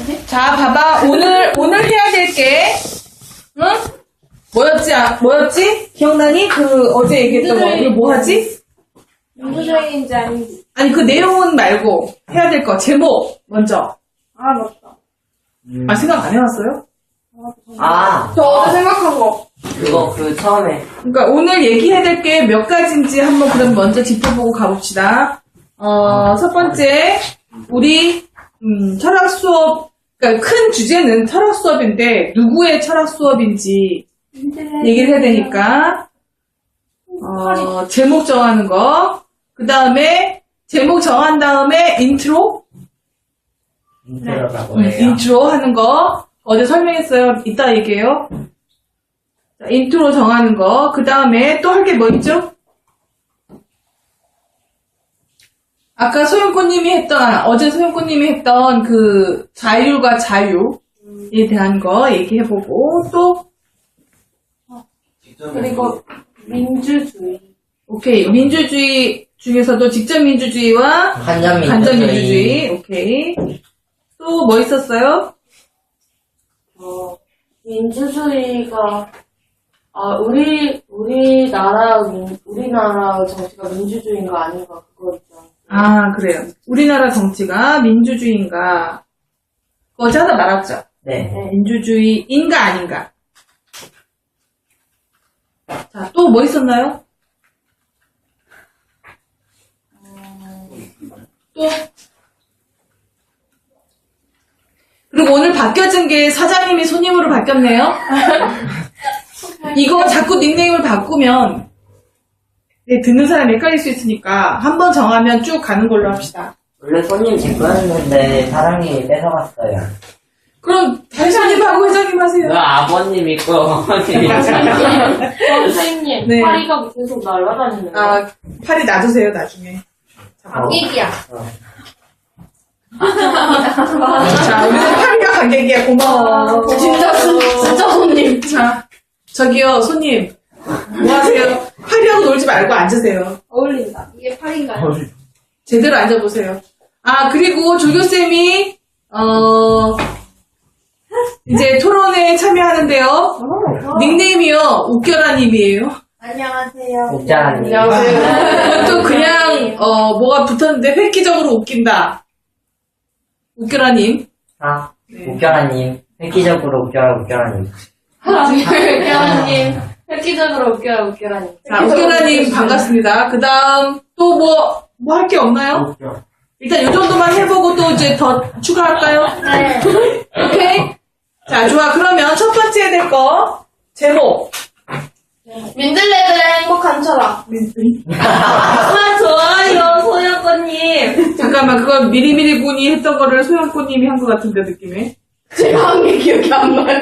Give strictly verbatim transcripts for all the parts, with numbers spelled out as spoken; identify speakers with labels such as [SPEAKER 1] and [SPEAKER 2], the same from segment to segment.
[SPEAKER 1] 자, 봐봐. 오늘, 오늘 해야 될 게, 응? 뭐였지? 아, 뭐였지? 기억나니? 그, 어제 얘기했던 거. 이거 뭐 하지?
[SPEAKER 2] 민주주의인지 아닌지.
[SPEAKER 1] 아니, 그 내용은 말고, 해야 될 거. 제목, 먼저.
[SPEAKER 2] 아, 맞다.
[SPEAKER 1] 아, 생각 안 해왔어요?
[SPEAKER 3] 아,
[SPEAKER 2] 저 어제 생각한 거.
[SPEAKER 3] 그거, 그, 처음에.
[SPEAKER 1] 그러니까 오늘 얘기해야 될 게 몇 가지인지 한번 그럼 먼저 짚어보고 가봅시다. 어, 첫 번째, 우리, 음, 철학 수업, 그러니까 큰 주제는 철학 수업인데, 누구의 철학 수업인지 얘기를 해야 되니까, 어, 제목 정하는 거, 그 다음에, 제목 정한 다음에 인트로?
[SPEAKER 3] 인트로라고
[SPEAKER 1] 음,
[SPEAKER 3] 해요.
[SPEAKER 1] 인트로 하는 거, 어제 설명했어요. 이따 얘기해요. 자, 인트로 정하는 거, 그 다음에 또 할 게 뭐 있죠? 아까 소영꽃님이 했던, 아, 어제 소영꽃님이 했던 그 자율과 자유에 대한 거 얘기해보고, 또,
[SPEAKER 2] 그리고 민주주의.
[SPEAKER 1] 오케이. 민주주의 중에서도 직접민주주의와
[SPEAKER 3] 간접민주주의.
[SPEAKER 1] 간접민주주의, 오케이. 또 뭐 있었어요?
[SPEAKER 2] 어, 민주주의가, 아, 우리, 우리나라, 민, 우리나라 정치가 민주주의인가 아닌가, 그거 있죠.
[SPEAKER 1] 아, 그래요. 우리나라 정치가 민주주의인가? 어제 하나 말았죠?
[SPEAKER 3] 네.
[SPEAKER 1] 민주주의인가 아닌가? 자, 또 뭐 있었나요? 또? 그리고 오늘 바뀌어진 게 사장님이 손님으로 바뀌었네요. 이거 자꾸 닉네임을 바꾸면 네, 듣는 사람이 헷갈릴 수 있으니까 한 번 정하면 쭉 가는 걸로 합시다.
[SPEAKER 3] 원래 손님 제 거였는데, 사장님이 뺏어갔어요.
[SPEAKER 1] 그럼 다시 손님하고 회장님 하세요.
[SPEAKER 3] 그 아버님 있고, 어머님
[SPEAKER 2] 어,
[SPEAKER 3] 있고.
[SPEAKER 2] 선생님,
[SPEAKER 1] 네.
[SPEAKER 2] 파리가 계속 날아다니는 거.
[SPEAKER 1] 아, 팔이 놔두세요, 나중에.
[SPEAKER 2] 관객이야.
[SPEAKER 3] 어.
[SPEAKER 1] 자, 우리 파리가 관객이야. 고마워.
[SPEAKER 2] 진짜, 진짜 손님.
[SPEAKER 1] 자, 저기요, 손님. 뭐 하세요? 파리하고 놀지 말고 앉으세요.
[SPEAKER 2] 어울린다. 이게 팔인가요?
[SPEAKER 1] 제대로 앉아보세요. 아, 그리고 조교쌤이, 어, 이제 토론에 참여하는데요. 닉네임이요, 웃겨라님이에요.
[SPEAKER 2] 안녕하세요.
[SPEAKER 3] 목자라님.
[SPEAKER 1] 또 그냥, 어, 뭐가 붙었는데 획기적으로 웃긴다. 웃겨라님.
[SPEAKER 3] 아,
[SPEAKER 1] 네.
[SPEAKER 3] 웃겨라님. 획기적으로 웃겨라, 웃겨라님.
[SPEAKER 2] 웃겨라님. 획기적으로 웃겨라, 웃겨라님.
[SPEAKER 1] 자, 웃겨라님 반갑습니다. 그 다음, 또 뭐, 뭐 할 게 없나요?
[SPEAKER 3] 웃겨.
[SPEAKER 1] 일단 이 정도만 해보고 또 이제 더 추가할까요?
[SPEAKER 2] 네.
[SPEAKER 1] 오케이? 자, 좋아. 그러면 첫 번째 해야 될 거, 제목.
[SPEAKER 2] 민들레들의 행복한 철학. 아, 좋아요, 소영권님.
[SPEAKER 1] 잠깐만, 그거 미리미리 군이 했던 거를 소영꽃님이 한 것 같은데, 느낌에.
[SPEAKER 2] 제가 한 게 기억이 안 나요.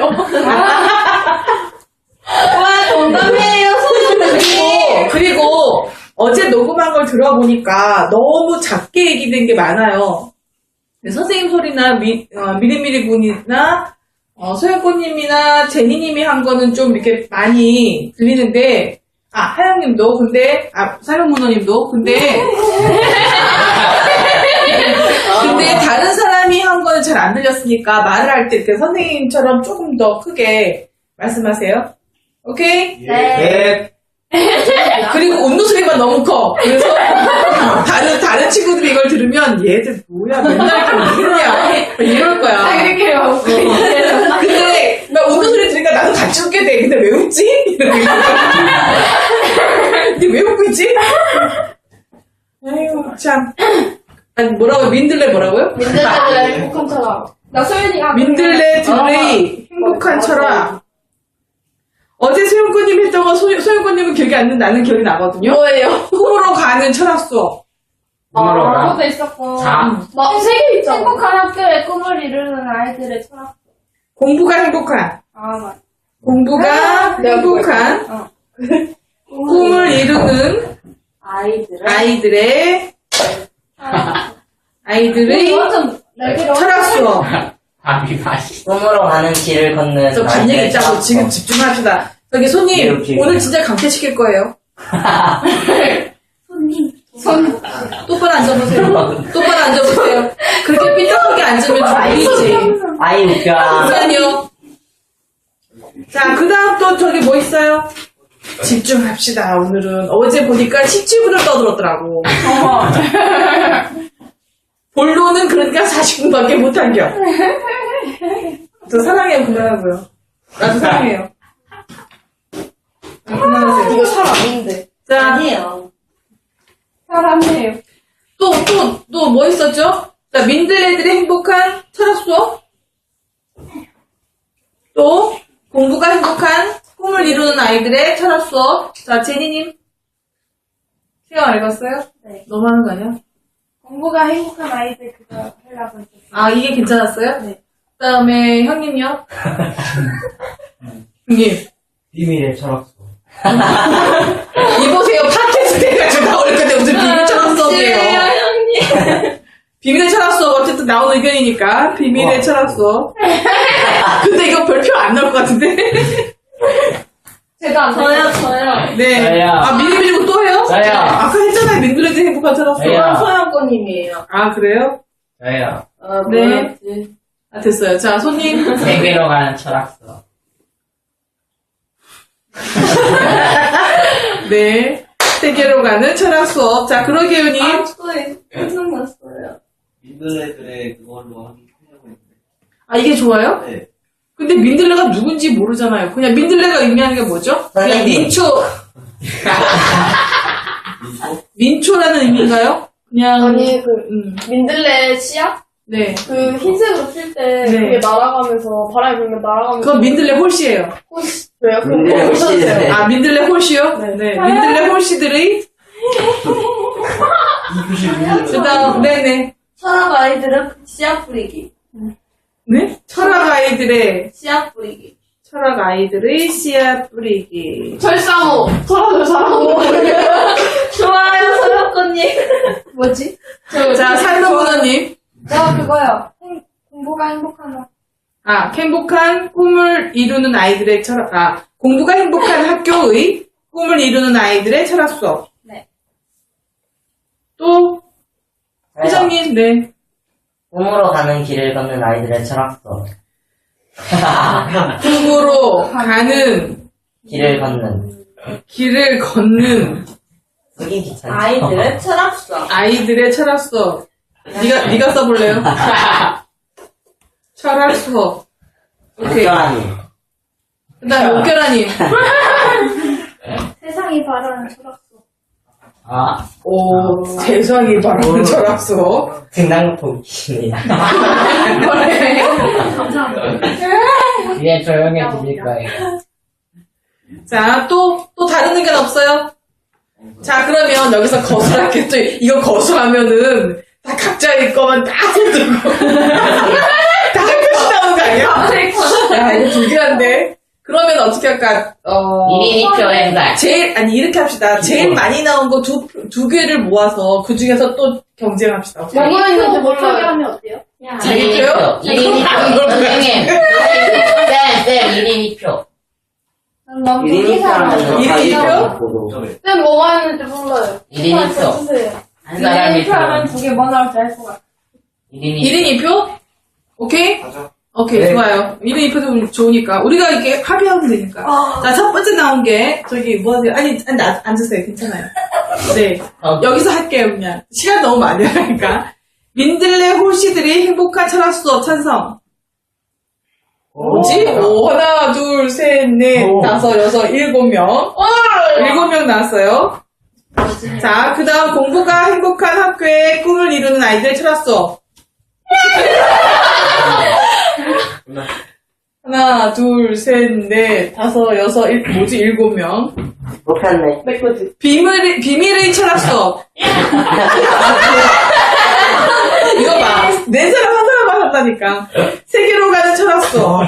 [SPEAKER 2] 와, 동감이에요, 소영권님.
[SPEAKER 1] 그리고, 그리고, 어제 녹음한 걸 들어보니까 너무 작게 얘기된 게 많아요. 선생님 소리나 미, 어, 미리미리 군이나 어, 소영꽃님이나 제니님이 한 거는 좀 이렇게 많이 들리는데, 아, 하영님도, 근데, 아, 사령문호님도, 근데, 근데 다른 사람이 한 거는 잘 안 들렸으니까 말을 할 때 이렇게 선생님처럼 조금 더 크게 말씀하세요. 오케이?
[SPEAKER 2] 네.
[SPEAKER 1] 그리고 웃는 소리가 너무 커. 그래서 다른 다른 친구들이 이걸 들으면 얘들 뭐야 맨날 이렇게 웃냐 이럴 거야.
[SPEAKER 2] 아, 그렇게요.
[SPEAKER 1] 근데 나 웃는 소리 들으니까 나도 같이 웃게 돼. 근데 왜 웃지? 이러고 근데 왜 웃고 있지? 아이고 참. 아니 뭐라고요? 민들레 뭐라고요?
[SPEAKER 2] 민들레들의 행복한 철학. 나 소연이가.
[SPEAKER 1] 민들레 들의 행복한
[SPEAKER 2] 맞아.
[SPEAKER 1] 철학. 어제 소영꽃님 했던 거 소, 소영꽃님은 기억이 안 나는 나는 기억이 나거든요.
[SPEAKER 2] 뭐예요?
[SPEAKER 1] 꿈으로 가는 철학 수업.
[SPEAKER 3] 꿈으로가.
[SPEAKER 2] 그것도 있었고.
[SPEAKER 3] 자.
[SPEAKER 2] 막, 세 개 있잖아. 행복한 학교에 꿈을 이루는 아이들의 철학.
[SPEAKER 1] 공부가 행복한.
[SPEAKER 2] 아, 맞아.
[SPEAKER 1] 공부가
[SPEAKER 2] 내가
[SPEAKER 1] 행복한
[SPEAKER 2] 어.
[SPEAKER 1] 꿈을 이루는
[SPEAKER 2] 아이들의.
[SPEAKER 1] 아이들의 아이들의
[SPEAKER 2] 완전 날개를
[SPEAKER 1] 철학 수업.
[SPEAKER 3] 밥이 맛있. 꿈으로 가는 길을 걷는.
[SPEAKER 1] 저 반 얘기 있자고 지금 집중합시다. 저기 손님
[SPEAKER 3] 이렇게.
[SPEAKER 1] 오늘 진짜 강퇴시킬 거예요.
[SPEAKER 2] 손님. 손.
[SPEAKER 1] 똑바로 앉아보세요. 똑바로 앉아보세요. 그렇게 삐딱하게 앉으면 죽이지.
[SPEAKER 3] 아이, 웃겨.
[SPEAKER 1] 잠깐만요. 자, 그 다음 또 저기 뭐 있어요? 집중합시다, 오늘은. 어제 보니까 십칠 분을 떠들었더라고. 본론은 그러니까 사십 분밖에 못한겨. 저 사랑해요, 그만하고요. 나도 사랑해요. 아, 그만하세요.
[SPEAKER 2] 이거 살 아닌데.
[SPEAKER 1] 자,
[SPEAKER 3] 아니에요.
[SPEAKER 2] 사람이에요.
[SPEAKER 1] 또, 또, 또 뭐 있었죠? 자, 민들레들의 행복한 철학 수업. 또, 공부가 행복한 꿈을 이루는 아이들의 철학 수업. 자, 제니님. 시간 읽었어요?
[SPEAKER 2] 네.
[SPEAKER 1] 너무 하는 거 아니야?
[SPEAKER 2] 공부가 행복한 아이들 그거 하려고 했었어요.
[SPEAKER 1] 아, 이게 괜찮았어요?
[SPEAKER 2] 네.
[SPEAKER 1] 그 다음에, 형님요? 형님.
[SPEAKER 4] 비밀의 철학수.
[SPEAKER 1] 이보세요. 팟캐스트 해가지고 나올 건데 무슨 비밀 철학 수업이에요.
[SPEAKER 2] 형님.
[SPEAKER 1] 비밀의 철학 수업 어쨌든 나오는 의견이니까. 비밀의
[SPEAKER 4] 와.
[SPEAKER 1] 철학 수업. 근데 이거 별표 안 나올 것 같은데?
[SPEAKER 2] 제가 안 저요, 저요.
[SPEAKER 1] 네.
[SPEAKER 4] 저요.
[SPEAKER 1] 아, 미리 미리 또 해요?
[SPEAKER 4] 저요.
[SPEAKER 1] 아까 했잖아요. 민들레드 행복한 철학 수업.
[SPEAKER 4] 저요.
[SPEAKER 2] 서영권님이에요.
[SPEAKER 1] 아, 그래요?
[SPEAKER 4] 저요.
[SPEAKER 2] 아,
[SPEAKER 1] 네.
[SPEAKER 2] 뭐였지?
[SPEAKER 1] 아, 됐어요. 자, 손님.
[SPEAKER 4] 세계로 가는 철학수.
[SPEAKER 1] 네. 세계로 가는 철학 수업. 자, 그러게요님.
[SPEAKER 2] 아, 저에 생각났어요.
[SPEAKER 5] 민들레들의 그걸로 하려고 했는데.
[SPEAKER 1] 아, 이게 좋아요?
[SPEAKER 5] 네.
[SPEAKER 1] 근데 민들레가 누군지 모르잖아요. 그냥 민들레가 의미하는 게 뭐죠? 그냥
[SPEAKER 3] 선생님.
[SPEAKER 1] 민초.
[SPEAKER 5] 민초?
[SPEAKER 1] 민초라는 의미인가요? 그냥.
[SPEAKER 2] 아니, 그,
[SPEAKER 1] 음,
[SPEAKER 2] 민들레 씨앗?
[SPEAKER 1] 네.
[SPEAKER 2] 그 흰색으로 필 때
[SPEAKER 1] 네.
[SPEAKER 2] 그게 날아가면서 바람이 불면 날아가면서
[SPEAKER 1] 그건 민들레 홀씨예요.
[SPEAKER 2] 혹시 왜요? 그럼
[SPEAKER 3] 민들레
[SPEAKER 2] 뭐
[SPEAKER 3] 홀씨.
[SPEAKER 2] 보셔주세요.
[SPEAKER 3] 네.
[SPEAKER 1] 아, 민들레 홀씨요?
[SPEAKER 2] 네.
[SPEAKER 1] 네. 민들레 홀씨들의.
[SPEAKER 5] 이 교시 민들레.
[SPEAKER 1] 그 다음, 네네.
[SPEAKER 2] 철학 아이들은 씨앗 뿌리기.
[SPEAKER 1] 네? 철학 아이들의,
[SPEAKER 2] 씨앗 뿌리기.
[SPEAKER 1] 철학 아이들의 씨앗 뿌리기.
[SPEAKER 2] 절사모. 철학을 사랑하고. 좋아요, 서영권님. 뭐지?
[SPEAKER 1] 자, 삶의 문화님.
[SPEAKER 2] 저 그거요. 행, 공부가 행복하다.
[SPEAKER 1] 아, 행복한 꿈을 이루는 아이들의 철학, 아, 공부가 행복한 학교의 꿈을 이루는 아이들의 철학 수업.
[SPEAKER 2] 네.
[SPEAKER 1] 또, 회장님, 네.
[SPEAKER 3] 꿈으로 가는 길을 걷는 아이들의 철학수.
[SPEAKER 1] 꿈으로 가는
[SPEAKER 3] 길을 걷는.
[SPEAKER 1] 길을 걷는
[SPEAKER 3] 쓰기 귀찮죠.
[SPEAKER 2] 아이들의 철학 수업.
[SPEAKER 1] 아이들의 철학 수업. 네가 네가 써볼래요? 철학 수업. 오케이.
[SPEAKER 3] 웃겨하니.
[SPEAKER 1] 그다음 옥결아님.
[SPEAKER 2] 세상이 바라는 철학 수업.
[SPEAKER 4] 아,
[SPEAKER 1] 오, 세상이 바라는 철학 수업.
[SPEAKER 3] 등장폭입니다.
[SPEAKER 2] 감사합니다.
[SPEAKER 4] 이제 조용히 들릴 거예요.
[SPEAKER 1] 자, 또 또 다른 의견 없어요? 자, 그러면 여기서 거수할게. 또 이거 거수하면은 다 각자의 거만 다 들고 다 표시 나오는 거 아니야? 야, 이거 불길한데. 그러면 어떻게 할까? 어.
[SPEAKER 4] 일 인 이 표 행사.
[SPEAKER 1] 제일, 아니, 이렇게 합시다. 제일 많이 나온 거 두, 두 개를 모아서 그 중에서 또 경쟁합시다. 어떻게 할까요?
[SPEAKER 2] 뭐뭐 있는지 못하게 하면 어때요?
[SPEAKER 1] 자기 표요?
[SPEAKER 4] 일 인 이 표. 선생님. 쌤, 쌤, 일 인 이 표.
[SPEAKER 2] 난
[SPEAKER 3] 일 인 이 표 하면
[SPEAKER 1] 일 인 이 표?
[SPEAKER 3] 보고.
[SPEAKER 2] 쌤 뭐가 있는지 몰라요.
[SPEAKER 4] 일 인 이 표.
[SPEAKER 2] 주세요.
[SPEAKER 4] 한 사람이 표.
[SPEAKER 2] 두개 뭐 나올지 알 것 같아.
[SPEAKER 4] 일 인 이
[SPEAKER 1] 일 인 이 표? 오케이?
[SPEAKER 5] 가자.
[SPEAKER 1] 오케이,
[SPEAKER 3] 네.
[SPEAKER 1] 좋아요. 일 인 이 표도 좋으니까. 우리가 이렇게 합의하면 되니까. 자, 첫 번째 나온 게, 저기, 뭐 하세요? 아니, 아니, 나- 앉으세요. 괜찮아요. 네.
[SPEAKER 4] 어.
[SPEAKER 1] 여기서 할게요, 그냥. 시간 너무 많이 하니까. 민들레 홀씨들이 행복한 철학 수업 찬성. 뭐지? 오, 하나, 둘, 셋, 넷,
[SPEAKER 4] 오.
[SPEAKER 1] 다섯, 여섯, 일곱 명. 일곱 명 나왔어요. 자, 그 다음 공부가 행복한 학교의 꿈을 이루는 아이들의 철학 수업. 하나, 둘, 셋, 넷, 다섯, 여섯, 일, 뭐지? 일곱 명.
[SPEAKER 3] 못했네.
[SPEAKER 2] 내 거지.
[SPEAKER 1] 비밀, 비밀의 철학 수업. 이거 봐. 네 사람 한 사람만 한다니까. 세계로 가는 철학 수업.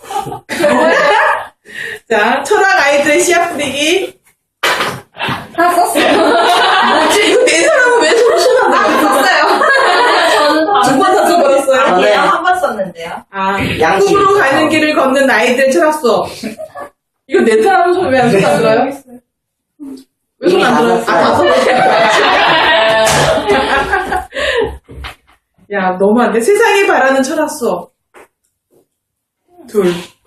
[SPEAKER 1] 자, 철학 아이들의 씨앗 뿌리기.
[SPEAKER 2] 다 썼어요.
[SPEAKER 1] 뭐지? 이거 네 사람은 왜 서로 신나는 거야?
[SPEAKER 2] 썼어요. 저는 다.
[SPEAKER 1] 두 번 다 써버렸어요?
[SPEAKER 3] 저는
[SPEAKER 2] 한 번 썼는데요.
[SPEAKER 1] 아,
[SPEAKER 3] 양심.
[SPEAKER 1] 꿈으로 가는 길을 걷는 아이들의 철학 수업. 이거 네 사람은 손 왜 안 들어요? 왜 손 안 들어요? 아, 다 써버렸어요. 야, 너무 안 돼. 세상이 바라는 철학 수업. 둘.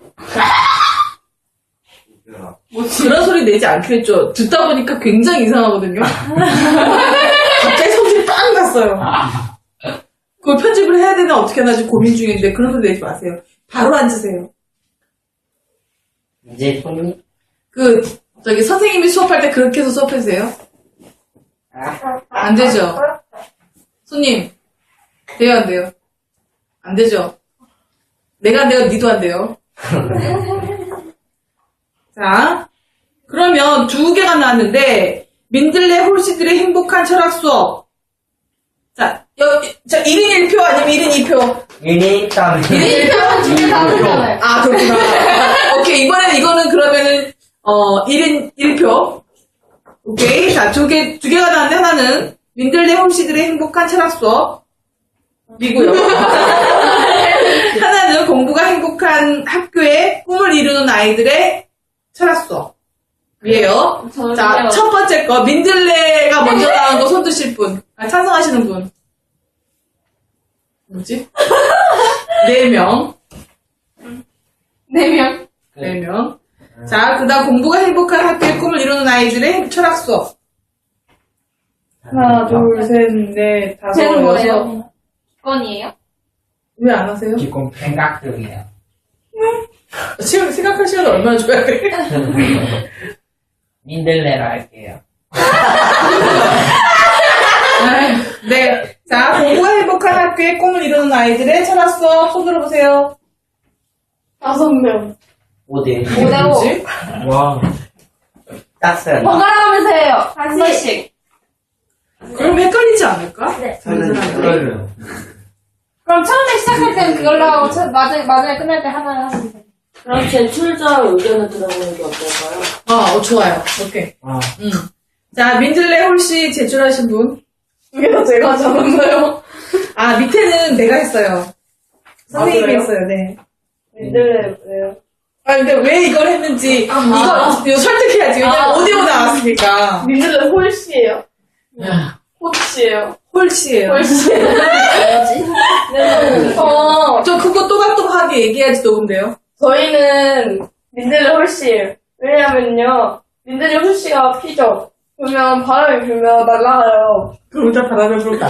[SPEAKER 5] 웃겨라.
[SPEAKER 1] 뭐 그런 소리 내지 않기로 했죠. 듣다 보니까 굉장히 이상하거든요. 갑자기 성질이 빵 났어요. 그걸 편집을 해야 되나 어떻게 하나 지금 고민 중인데 그런 소리 내지 마세요. 바로 앉으세요.
[SPEAKER 3] 이제 손님?
[SPEAKER 1] 그 저기 선생님이 수업할 때 그렇게 해서 수업해주세요. 안 되죠. 손님 돼요 안 돼요? 안 되죠. 내가 안 돼요. 니도 안 돼요. 자 그러면 두 개가 나왔는데 민들레 홀씨들의 행복한 철학 수업. 자, 여, 자 일 인 일 표 아니면 일 인 이 표?
[SPEAKER 3] 유닛 다음에.
[SPEAKER 1] 일 인 일 표?
[SPEAKER 2] 두개 다르잖아요.
[SPEAKER 1] 아, 그렇구나. 오케이, 이번에는 이거는 그러면은, 어, 일 인 일 표. 오케이. 자, 두 개, 두 개가 나왔는데 하나는 민들레 홈씨들의 행복한 철학 수업이고요. 하나는 공부가 행복한 학교의 꿈을 이루는 아이들의 철학 수업이에요.
[SPEAKER 2] 저는요.
[SPEAKER 1] 자, 첫 번째 거, 민들레가 먼저 나온 거 손 드실 분. 아, 찬성하시는 분. 뭐지? 네 명.
[SPEAKER 2] 네 명.
[SPEAKER 1] 네 명. 자, 그 다음 공부가 행복한 학교의 꿈을 이루는 아이들의 철학 수업. 하나, 둘, 셋, 넷, 다섯,
[SPEAKER 2] 쟤는
[SPEAKER 1] 여섯.
[SPEAKER 2] 뭐예요? 건이에요?
[SPEAKER 1] 왜 안 하세요?
[SPEAKER 4] 지금 생각 중이에요.
[SPEAKER 1] 지금 생각할 시간을 얼마나 줘야 돼?
[SPEAKER 4] 민들레로 할게요.
[SPEAKER 1] 아유, 네. 자, 공부가 행복한 학교의 꿈을 이루는 아이들의 철학 수업. 손 들어보세요.
[SPEAKER 2] 다섯 명.
[SPEAKER 3] 오대.
[SPEAKER 2] 오 대 오.
[SPEAKER 1] 뭐지?
[SPEAKER 3] 와. 땄어요.
[SPEAKER 2] 번갈아 가면서 해요. 한 번씩.
[SPEAKER 1] 그럼 헷갈리지 않을까?
[SPEAKER 2] 네.
[SPEAKER 3] 저는 그거를.
[SPEAKER 2] 그럼 처음에 시작할 때는 그걸로 하고, 처- 마지막에, 마지막에 끝날 때 하나를 하면 돼요.
[SPEAKER 6] 그럼 제출자 의견을 들어보는 게 어떨까요?
[SPEAKER 1] 어, 어, 좋아요. 오케이.
[SPEAKER 3] 아.
[SPEAKER 1] 음. 자, 민들레 홀씨 제출하신 분.
[SPEAKER 2] 이게 제가 적었나요?
[SPEAKER 1] 아, 밑에는 내가 했어요. 선생님이
[SPEAKER 2] 그래요?
[SPEAKER 1] 했어요, 네.
[SPEAKER 2] 민들레, 왜요?
[SPEAKER 1] 아, 근데 왜 이걸 했는지, 이거, 이거 설득해야지. 왜냐면
[SPEAKER 2] 아.
[SPEAKER 1] 오디오 나왔으니까.
[SPEAKER 2] 민들레 홀씨예요. 홀씨예요.
[SPEAKER 1] 홀씨예요.
[SPEAKER 2] 홀씨예요. 네. 어,
[SPEAKER 1] 저 그거 또박또박하게 얘기해야지 녹음돼요.
[SPEAKER 2] 저희는 민들레 홀씨예요. 왜냐면요, 민들레 홀씨가 피죠. 그러면 바람이 불면 날아가요.
[SPEAKER 1] 그럼 일단 바람을 불까?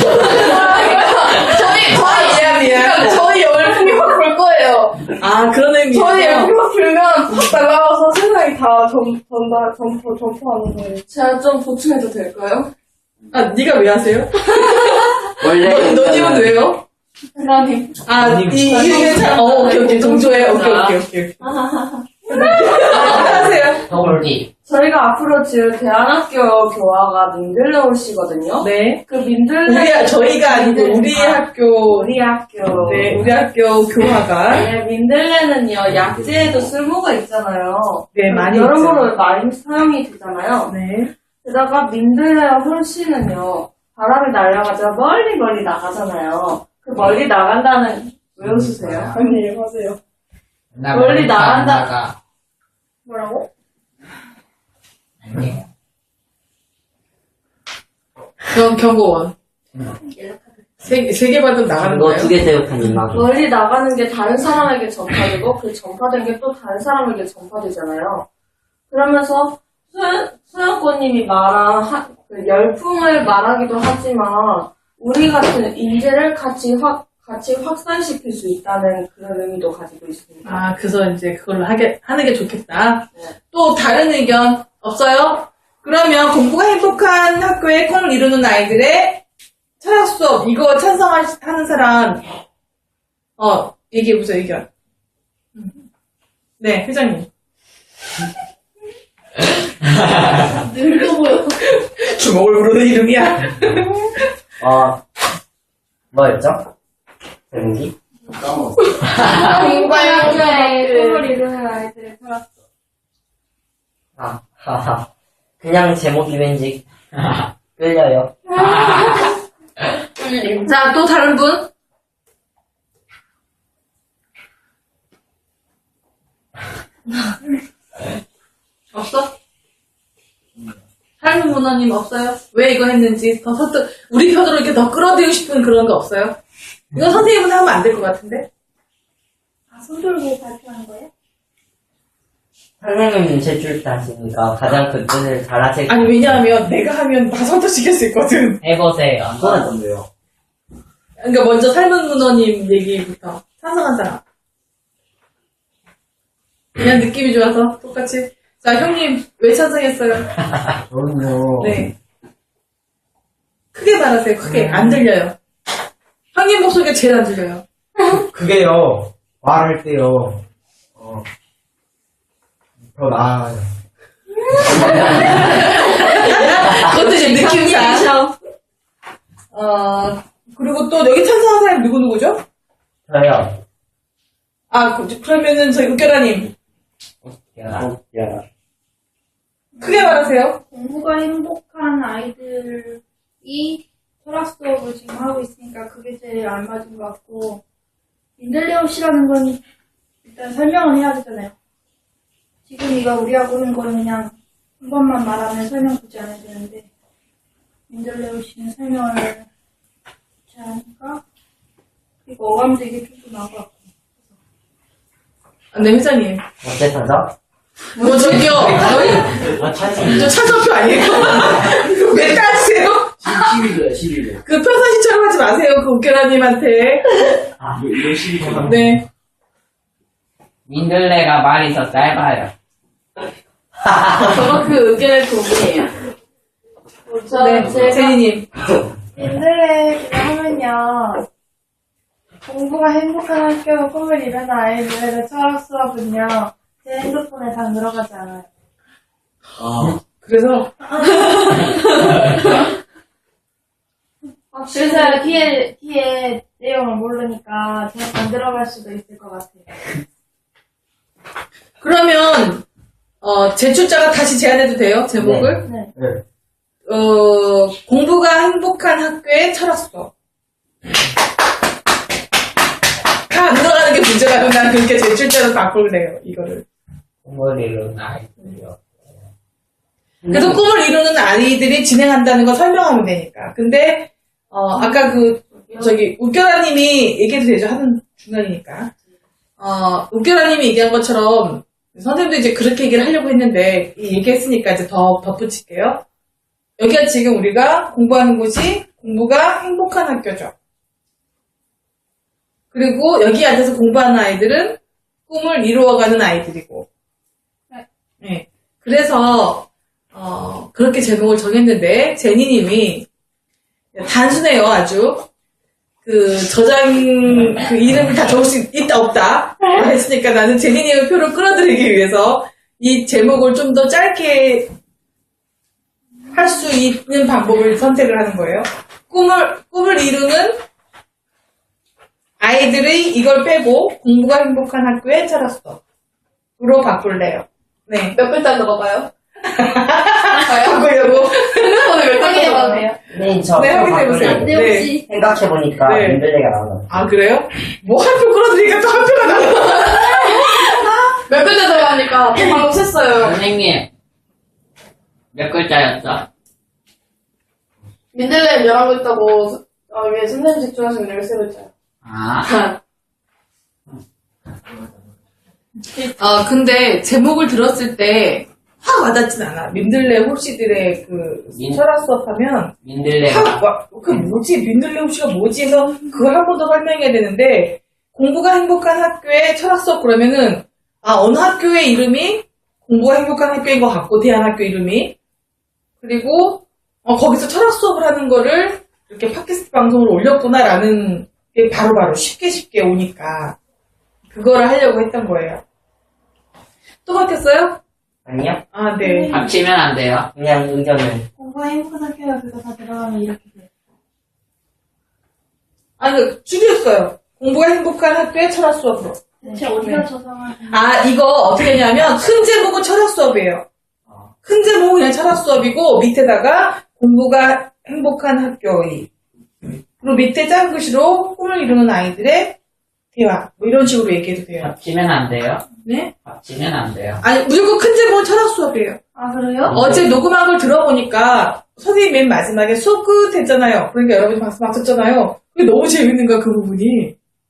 [SPEAKER 2] 저희, 저희,
[SPEAKER 1] 미안, 미안.
[SPEAKER 2] 저희 열풍이 확 불 거예요.
[SPEAKER 1] 아, 그런 의미에서.
[SPEAKER 2] 저희 열풍이 확 불면 확 날아가서 세상이 다 점, 전다, 점프, 점프하는 거예요. 제가 좀 보충해도 될까요?
[SPEAKER 1] 아, 네가 왜 하세요?
[SPEAKER 3] 원래.
[SPEAKER 1] 너, 너님은 왜요?
[SPEAKER 2] 하나님.
[SPEAKER 1] 아,
[SPEAKER 3] 너님.
[SPEAKER 1] 이, 이유는 잘, 어, 오케이, 오케이. 동조해. 오케이, 오케이, 오케이. 하세요.
[SPEAKER 4] 서울디.
[SPEAKER 6] 저희가 앞으로 지을 대안학교 교화가 민들레 홀씨거든요.
[SPEAKER 1] 네.
[SPEAKER 6] 그 민들레
[SPEAKER 1] 우리, 학- 저희가 아니고, 우리
[SPEAKER 6] 아,
[SPEAKER 1] 학교.
[SPEAKER 6] 우리 학교.
[SPEAKER 1] 네, 우리 학교 교화가.
[SPEAKER 6] 네, 민들레는요 약재에도 쓸모가 있잖아요.
[SPEAKER 1] 네, 많이
[SPEAKER 6] 여러모로 많이 사용이 되잖아요.
[SPEAKER 1] 네.
[SPEAKER 6] 게다가 민들레와 홀씨는요 바람이 날아가자 멀리 멀리 나가잖아요. 그 멀리 나간다는 왜 웃으세요?
[SPEAKER 2] 아니, 하세요.
[SPEAKER 4] 나
[SPEAKER 6] 멀리
[SPEAKER 4] 멀리
[SPEAKER 6] 나간다.
[SPEAKER 4] 안 나가.
[SPEAKER 2] 뭐라고?
[SPEAKER 4] 아니에요.
[SPEAKER 1] 경, 경고원. 세, 세 개 받으면 나가는
[SPEAKER 3] 이거
[SPEAKER 1] 거예요?
[SPEAKER 3] 두 개 대역한 나도.
[SPEAKER 6] 멀리 나가는 게 다른 사람에게 전파되고 그 전파된 게 또 다른 사람에게 전파되잖아요. 그러면서 수연, 수연꽃님이 말한 하- 그 열풍을 말하기도 하지만 우리 같은 인재를 같이 확 같이 확산시킬 수 있다는 그런 의미도 가지고 있습니다.
[SPEAKER 1] 아, 그래서 이제 그걸로 하게, 하는 게 좋겠다.
[SPEAKER 6] 네.
[SPEAKER 1] 또 다른 의견 없어요? 그러면 공부가 행복한 학교의 꿈을 이루는 아이들의 철학 수업, 이거 찬성하는 사람, 어, 얘기해보세요, 의견. 음. 네, 회장님.
[SPEAKER 2] 늙어 보여.
[SPEAKER 1] 주먹을 부르는 이름이야.
[SPEAKER 3] 어, 뭐였죠? 제목이?
[SPEAKER 5] 까먹었어.
[SPEAKER 2] 공부할 학교에 꿈을 이루는 아이들의 철학.
[SPEAKER 3] 아, 하하. 그냥 제목이 왠지 끌려요.
[SPEAKER 1] 자, 또 다른 분? 없어? 다른 분은 문어님 없어요? 왜 이거 했는지 더 서투 우리 편으로 이렇게 더 끌어들이고 싶은 그런 거 없어요? 이건 선생님은 하면 안 될 것 같은데?
[SPEAKER 2] 아, 손 들고 발표하는 거예요?
[SPEAKER 3] 선생님은 제출자시니까 가장 그 뜻을 잘 하실
[SPEAKER 1] 아니 왜냐하면 내가 하면 다 선택시킬 수 있거든.
[SPEAKER 3] 해보세요.
[SPEAKER 5] 이거는 뭔데요?
[SPEAKER 1] 그러니까 먼저 삶은 문어님 얘기부터 찬성한 사람. 그냥 느낌이 좋아서 똑같이. 자 형님 왜 찬성했어요?
[SPEAKER 3] 저는요.
[SPEAKER 1] 네. 크게 말하세요. 크게 안 들려요. 형님 목소리가 제일 안 들려요.
[SPEAKER 7] 그게요, 말할 때요, 어, 더 나아요.
[SPEAKER 1] 그것도 이제 느낌상. 어 그리고 또 여기 찬성한 사람 누구 누구죠?
[SPEAKER 3] 저요.
[SPEAKER 1] 아 그- 그러면은 저희 웃겨라님
[SPEAKER 3] 야, 야.
[SPEAKER 1] 크게 말하세요.
[SPEAKER 2] 공부가 행복한 아이들이 철학 수업을 지금 하고 있으니까 그게 제일 안 맞은 것 같고, 민들레옷이라는 건 일단 설명을 해야 되잖아요. 지금 이거 우리가 고른 거는 그냥 한 번만 말하면 설명 굳이 안 해야 되는데, 민들레옷이는 설명을 굳이 하니까, 그리고 어감도 이게 좀 나은 것 같고.
[SPEAKER 1] 아, 네 회장님.
[SPEAKER 3] 어째 찾아?
[SPEAKER 1] 뭐 저기요. 저희
[SPEAKER 3] 아, 찬성.
[SPEAKER 1] 저 찬성표 아니에요? 왜 따지세요?
[SPEAKER 5] 십일 도야, 십일 도.
[SPEAKER 1] 그 평상시처럼 하지 마세요. 그 웃겨라님한테.
[SPEAKER 3] 아,
[SPEAKER 5] 이거 십일 도.
[SPEAKER 1] 네.
[SPEAKER 4] 민들레가 말이 더 짧아요.
[SPEAKER 6] 저거 그 의견의 동의예요.
[SPEAKER 1] 네. 제니님.
[SPEAKER 2] 민들레 그거 하면요, 공부가 행복한 학교가 꿈을 이루는 아이들의 철학 수업은요, 제 핸드폰에 다 들어가지 않아요.
[SPEAKER 5] 아,
[SPEAKER 1] 그래서
[SPEAKER 2] 그래서 뒤에, 뒤에 내용을 모르니까 제가 안 들어갈 수도 있을 것 같아요.
[SPEAKER 1] 그러면 어, 제출자가 다시 제안해도 돼요? 제목을?
[SPEAKER 2] 네.
[SPEAKER 7] 네.
[SPEAKER 1] 어, 공부가 행복한 학교의 철학 수업. 다 안 들어가는 게 문제라면 난 그렇게 제출자로 바꿀래요, 이거를.
[SPEAKER 3] 꿈을 이루는 아이들이요.
[SPEAKER 1] 그래서 꿈을 이루는 아이들이 진행한다는 거 설명하면 되니까. 근데, 어, 아까 그, 저기, 웃겨라님이 얘기해도 되죠? 하는 중간이니까. 어, 웃겨라님이 얘기한 것처럼, 선생님도 이제 그렇게 얘기를 하려고 했는데, 이 얘기했으니까 이제 더 덧붙일게요. 여기가 지금 우리가 공부하는 곳이 공부가 행복한 학교죠. 그리고 여기 앉아서 공부하는 아이들은 꿈을 이루어가는 아이들이고. 네. 그래서, 어, 그렇게 제목을 정했는데, 제니님이 단순해요, 아주. 그, 저장, 그 이름을 다 적을 수 있다, 없다. 했으니까 나는 제니님의 표를 끌어들이기 위해서 이 제목을 좀 더 짧게 할 수 있는 방법을 선택을 하는 거예요. 꿈을, 꿈을 이루는 아이들의 이걸 빼고 공부가 행복한 학교의 철학 수업으로 바꿀래요. 네.
[SPEAKER 6] 몇 글자 넣어봐요?
[SPEAKER 1] 바꾸려고.
[SPEAKER 6] 핸드폰에 몇 글자
[SPEAKER 2] 확인해봐도
[SPEAKER 6] 넣어봐요?
[SPEAKER 2] 돼요?
[SPEAKER 3] 네, 저.
[SPEAKER 1] 네, 확인해보세요.
[SPEAKER 3] 바꾸려고.
[SPEAKER 2] 네, 혹시
[SPEAKER 3] 생각해보니까
[SPEAKER 1] 네.
[SPEAKER 3] 민들레가 나온다.
[SPEAKER 1] 아, 그래요? 뭐 한 표 끌어들이니까 또 한 표가 나와.
[SPEAKER 6] 몇 글자 들어가니까 방금 셌어요.
[SPEAKER 4] 선생님, 몇 글자였죠?
[SPEAKER 6] 민들레 열한 글자고, 어, 위에 선생님 제출하신 열세 글자요.
[SPEAKER 4] 아,
[SPEAKER 1] 아, 근데 제목을 들었을 때 확 와닿진 않아. 민들레 홀씨들의 그
[SPEAKER 4] 민-
[SPEAKER 1] 철학 수업하면
[SPEAKER 4] 민들레가
[SPEAKER 1] 확 와, 그 뭐지? 민들레 홀씨가 뭐지? 해서 그걸 한 번 더 설명해야 되는데 공부가 행복한 학교의 철학 수업 그러면은 아, 어느 학교의 이름이 공부가 행복한 학교인 것 같고 대안학교 이름이 그리고 어, 거기서 철학 수업을 하는 거를 이렇게 팟캐스트 방송으로 올렸구나라는 게 바로바로 쉽게 쉽게 오니까 그거를 하려고 했던 거예요. 또 바뀌었어요?
[SPEAKER 3] 아니요?
[SPEAKER 1] 아, 네.
[SPEAKER 4] 합치면 안 돼요.
[SPEAKER 3] 그냥 의견을.
[SPEAKER 2] 공부가 행복한 학교가 그거 다 들어가면 이렇게 돼요.
[SPEAKER 1] 아니, 그 줄였어요. 공부가 행복한 학교의 철학 수업으로.
[SPEAKER 2] 대체 어디가 저장한
[SPEAKER 1] 아, 이거 어떻게 했냐면, 큰 제목은 철학 수업이에요. 큰 제목은 그냥 철학 수업이고, 밑에다가 공부가 행복한 학교의. 그리고 밑에 작은 글씨로 꿈을 이루는 아이들의 대화. 뭐 이런 식으로 얘기해도 돼요.
[SPEAKER 4] 합치면 안 돼요?
[SPEAKER 1] 네?
[SPEAKER 4] 합치면 안 돼요.
[SPEAKER 1] 아니, 무조건 큰 제목은 철학 수업이에요.
[SPEAKER 2] 아, 그래요?
[SPEAKER 1] 어제 녹음한 걸 들어보니까 선생님 맨 마지막에 수업 끝 했잖아요. 그러니까 여러분이 박수 막 쳤잖아요. 그게 너무 재밌는 거야, 그 부분이.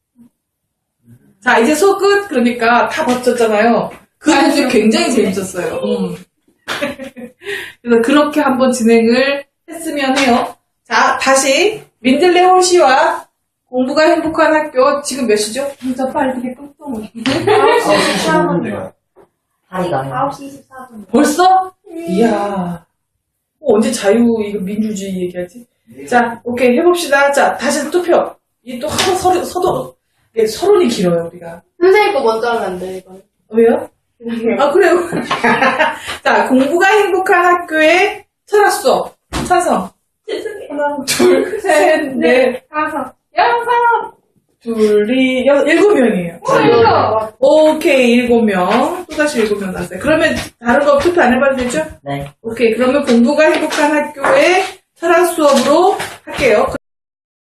[SPEAKER 1] 자, 이제 수업 끝. 그러니까 다 버텼잖아요. 그 부분이 굉장히 재밌었어요. 음. 그래서 그렇게 한번 진행을 했으면 해요. 자, 다시 민들레 홀씨와 공부가 행복한 학교 지금 몇 시죠? 진짜 빨리 되게 똥똥.
[SPEAKER 2] 아홉 시 이십사 분.
[SPEAKER 3] 다리가.
[SPEAKER 2] 아홉 시 이십사 분.
[SPEAKER 1] 벌써? 이야. 어, 언제 자유, 이거 민주주의 얘기하지? 자, 오케이, 해봅시다. 자, 다시 투표. 이 또 하도 서로, 서도, 이게 서론이 길어요, 우리가.
[SPEAKER 6] 선생님 거 먼저 하면 안 돼, 이건.
[SPEAKER 1] 왜요? 아, 그래요. 자, 공부가 행복한 학교의 철학 수업. 찬성. 하나, 둘, 셋, 넷,
[SPEAKER 2] 다섯.
[SPEAKER 1] 여섯, 둘이, 여, 일곱 명이에요.
[SPEAKER 2] 이거.
[SPEAKER 1] 오케이, 일곱 명. 또다시 일곱 명 났어요. 그러면 다른 거 투표 안 해봐도 되죠?
[SPEAKER 3] 네.
[SPEAKER 1] 오케이, 그러면 공부가 행복한 학교의 철학 수업으로 할게요.